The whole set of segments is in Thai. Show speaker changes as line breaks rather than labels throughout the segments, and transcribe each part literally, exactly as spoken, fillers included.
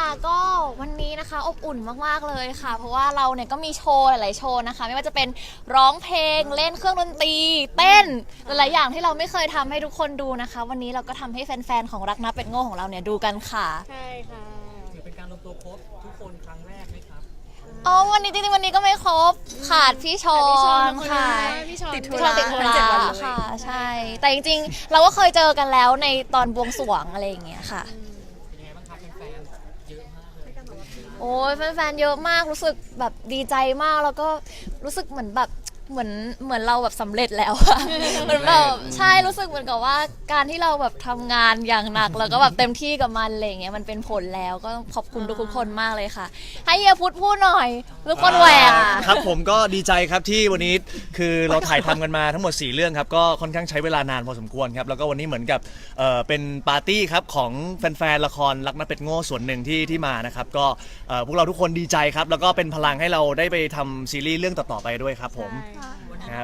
ก็วันนี้นะคะอบอุ่นมากๆเลยค่ะเพราะว่าเราเนี่ยก็มีโชว์หลายๆโชว์นะคะไม่ว่าจะเป็นร้องเพลงเล่นเครื่องดนตรีเต้นหลายๆอย่างที่เราไม่เคยทำให้ทุกคนดูนะคะวันนี้เราก็ทำให้แฟนๆของรักนับเป็ดโง่ของเราเนี่ยดูกันค่ะ
ใช่ค่ะ
ถือเป็นการรวมตัวครบทุกคนครั้งแรกไหมครับ
อ๋อวันนี้จริงๆวันนี้ก็ไม่ครบขาดพี่ชอนค่ะ
พี่ชอน
ติดธุระติดธุระค่ะใช่แต่จริงๆเราก็เคยเจอกันแล้วในตอนบวงสรวงอะไรอย่างเงี้ยค่ะ
เป็นยังไงบ้างครับแฟนๆเยอะมากเลย
โอ้ยแฟนๆเยอะมากรู้สึกแบบดีใจมากแล้วก็รู้สึกเหมือนแบบเหมือนเหมือนเราแบบสำเร็จแล้วอะเหมือนแบบใช่รู้สึกเหมือนกับว่าการที่เราแบบทำงานอย่างหนักแล้วก็แบบเต็มที่กับมันอะไรเงี้ยมันเป็นผลแล้วก็ขอบคุณทุกคนมากเลยค่ะให้เฮียพุทธพูดหน่อยทุกคนแหวก
ครับผมก็ดีใจครับที่วันนี้คือเราถ่ายทำกันมาทั้งหมดสี่เรื่องครับก็ค่อนข้างใช้เวลานานพอสมควรครับแล้วก็วันนี้เหมือนกับเอ่อเป็นปาร์ตี้ครับของแฟนๆละครรักนับเป็ดโง่ส่วนหนึ่งที่ที่มานะครับก็เอ่อพวกเราทุกคนดีใจครับแล้วก็เป็นพลังให้เราได้ไปทำซีรีส์เรื่องต่อๆไปด้วยครับผมครับ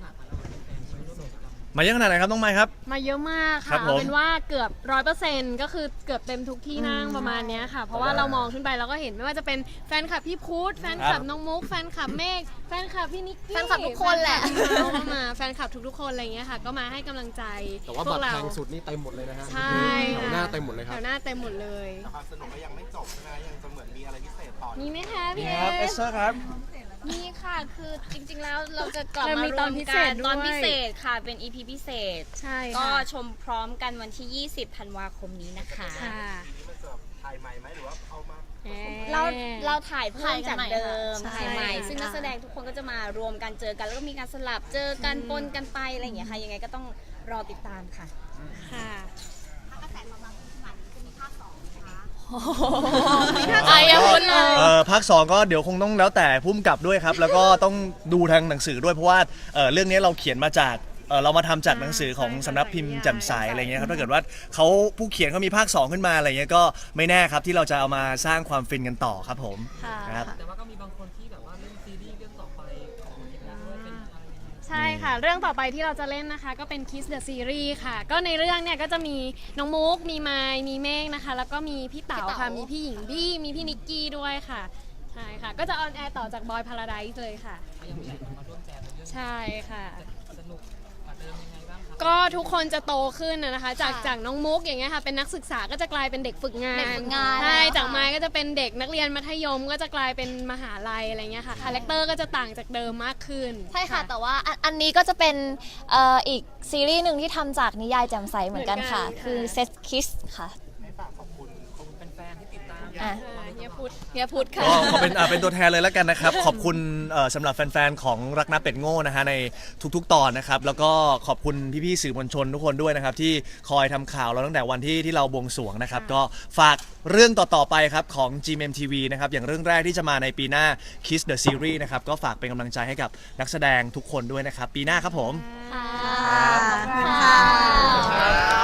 มาเยอะขนาดไหนครับน้องไมค์ครับ
มาเยอะมาก
ครั
ค่ะ
บผม
เป็นว่าเกือบร้อยเปอร์เซ็นต์ก็คือเกือบเต็มทุกที่นั่งประมาณเนี้ยค่ะ เพราะว่าเรามองขึ้นไปเราก็เห็นไม่ว่าจะเป็นแฟนคลับพี่พุทธแฟนคลับน้องมุกแฟนคลับเมฆแฟนคลับพี่นิกกี้
แฟนคลับทุกคนแหละ
เราก็มาแฟนคลับทุกๆคนอะไรเงี้ยค่ะก็มาให้กำลังใจ
แต่ว่า
พ
บั
ว
ต
ก
ร
เรา
แพงสุดนี่เต็มหมดเลยนะฮะ
ใช่
แถวหน้าเต็มหมดเลยค
แถ
รับ
วหน้าเต็มหมดเลย
ความสนุกก็ยังไม่จบใช่ไหมยังจะเหมือนมีอะไรพิเศษต่อ
มีไหมคะพี่
นี่
เอ
ครับเอส
ส
เซอร์ครับ
มีค่ะ คือจริงๆ แล้วเราจะกลับ
เรา
มา
มี
ร
ตอ
วน ม
พิเศ
กั
ษ
น
ด้วย
ตอนพิเศษค่ะ เป็น อี พี พิเศษ
ใช่
ก็
ค่ะ
ชมพร้อมกันวันที่ ยี่สิบ ธันวาคมนี้นะคะ
ค่ะ
นี่มันจะถ่ายใหม่ไหมหรือว่าเอามา
เราเราถ่ายเพิ่มจากเดิม
ใช่
ถ่ายใหม่
ค่ะ
ซึ่งนักแสดงทุกคนก็จะมารวมกันเจอกัน แล้วก็มีการสลับเจอกันปนกันไปอะไรอย่างเงี้ยค่ะ ยังไงก็ต้องรอติดตามค่ะ
ค่ะ
ไอ้ยังพูดเลย
เอ่อภาคสองก็เดี๋ยวคงต้องแล้วแต่พุ่มกับด้วยครับ แล้วก็ต้องดูทางหนังสือด้วยเพราะว่าเอ่อเรื่องนี้เราเขียนมาจากเอ่อเรามาทำจากหนังสือของสำนักพิมพ์แจ่มใสอะไรเงี้ยครับถ้าเกิดว่าเขาผู้เขียนเขามีภาคสองขึ้นมาอะไรเงี้ยก็ไม่แน่ครับที่เราจะเอามาสร้างความฟินกันต่อครับผม
ค่ะ
ครับ
แต่ว่าก็มีบางคนที่แบบว่าเล่นซีรีส์เรื่องต่อไปของทีมงานด้วยเป็นอะไรยังไง
ใช่ค่ะ เรื่องต่อไปที่เราจะเล่นนะคะ ก็เป็น Kiss the Series ค่ะ ก็ในเรื่องเนี่ยก็จะมีน้องมุก มีไมค์มีเมฆนะคะ แล้วก็มีพี่เต๋าค่ะ มีพี่หญิงบี้มีพี่นิกกี้ด้วยค่ะ ใช่ค่ะ ก็จะออนแอร์ต่อจากบอยพาราไดซ์เลยค่ะ
ก็ยังมีแขกมาร่วมแจมในเรื่อง
ใช่ค่ะ
สนุกกว่าเดิมยังไงบ้างครับ
ก็ทุกคนจะโตขึ้นนะนะคะ จาก
ค่ะ
จากน้องมุกอย่างเงี้ยค่ะ เป็นนักศึกษาก็จะกลายเป็นเด็กฝึกงาน
เด็กฝึกงาน
ใช่
แล้วค่ะ
จากไม้ก็จะเป็นเด็กนักเรียนมัธยม ก็จะกลายเป็นมหาลัยอะไรเงี้ยค่ะ คาแรคเตอร์ก็จะต่างจากเดิมมากขึ้น
ใช่ค่ะแต่ว่าอันอันนี้ก็จะเป็นเอ่ออีกซีรีส์หนึ่งที่ทำจากนิยายแจ่มใสเหมือนกันค่ะ
เหมือนกันค่ะ
คือ Set Kiss ค่ะ
ให้ฝากขอบคุณ
ขอบคุณแฟนๆที่ติดตาม
อ่ะ
อ่าเฮียพุทธ
เฮียพุทธค่ะ
ก็ขอเป็นอ่าเป็นตัวแทนเลยแล้วกันนะครับ ขอบคุณเอ่อสำหรับแฟนๆของรักนับเป็ดโง่นะฮะในทุกๆตอนนะครับแล้วก็ขอบคุณพี่ๆสื่อมวลชนทุกคนด้วยนะครับที่คอยทำข่าวเราตั้งแต่วันที่ที่เราบวงสรวงนะครับก็ฝากเรื่องต่อๆไปครับของ จี เอ็ม เอ็ม ที วี นะครับอย่างเรื่องแรกที่จะมาในปีหน้า Kiss the Series นะครับก็ฝากเป็นกำลังใจให้กับนักแสดงทุกคนด้วยนะครับปีหน้าครับผม
ค่ะ